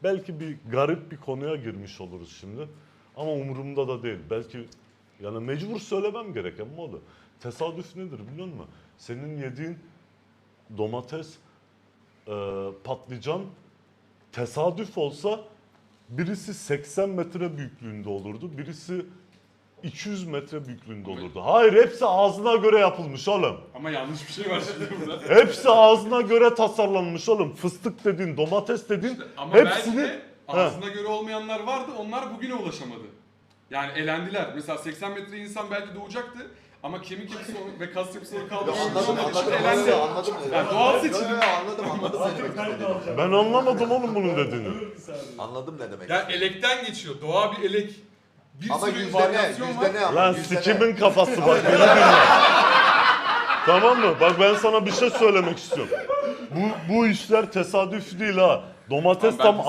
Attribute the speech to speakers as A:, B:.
A: Belki bir garip bir konuya girmiş oluruz şimdi. Ama umurumda da değil. Belki yani mecbur söylemem gereken mi oldu? Tesadüf nedir biliyor musun? Senin yediğin domates, patlıcan tesadüf olsa birisi 80 metre büyüklüğünde olurdu. Birisi 200 metre büyüklüğünde olurdu. Hayır, hepsi ağzına göre yapılmış oğlum.
B: Ama yanlış bir şey var şimdi burada.
A: Hepsi ağzına göre tasarlanmış oğlum. Fıstık dedin, domates dedin.
B: İşte ama
A: hepsini...
B: belki de ağzına göre olmayanlar vardı, onlar bugüne ulaşamadı. Yani elendiler. Mesela 80 metre insan belki doğacaktı ama kemik yapısı ve kas yapısı onu kaldıramadığı için elendi.
C: Anladım.
B: Yani doğal seçilim.
C: Anladım ne demek istediğini.
A: Ben anlamadım oğlum bunun dediğini.
C: Anladım ne demek
B: Yani
C: istediğini.
B: elekten geçiyor. Doğa bir elek. Bir
C: Ama
B: sürü
C: yüzde ne?
B: varyasyon var.
C: Yüzde ne?
A: Lan
C: Yüzde ne?
A: sikimin kafası bak beni dinle. Tamam mı? Bak ben sana bir şey söylemek istiyorum. Bu işler tesadüf değil ha. Domates
B: Tamam, ben
A: tam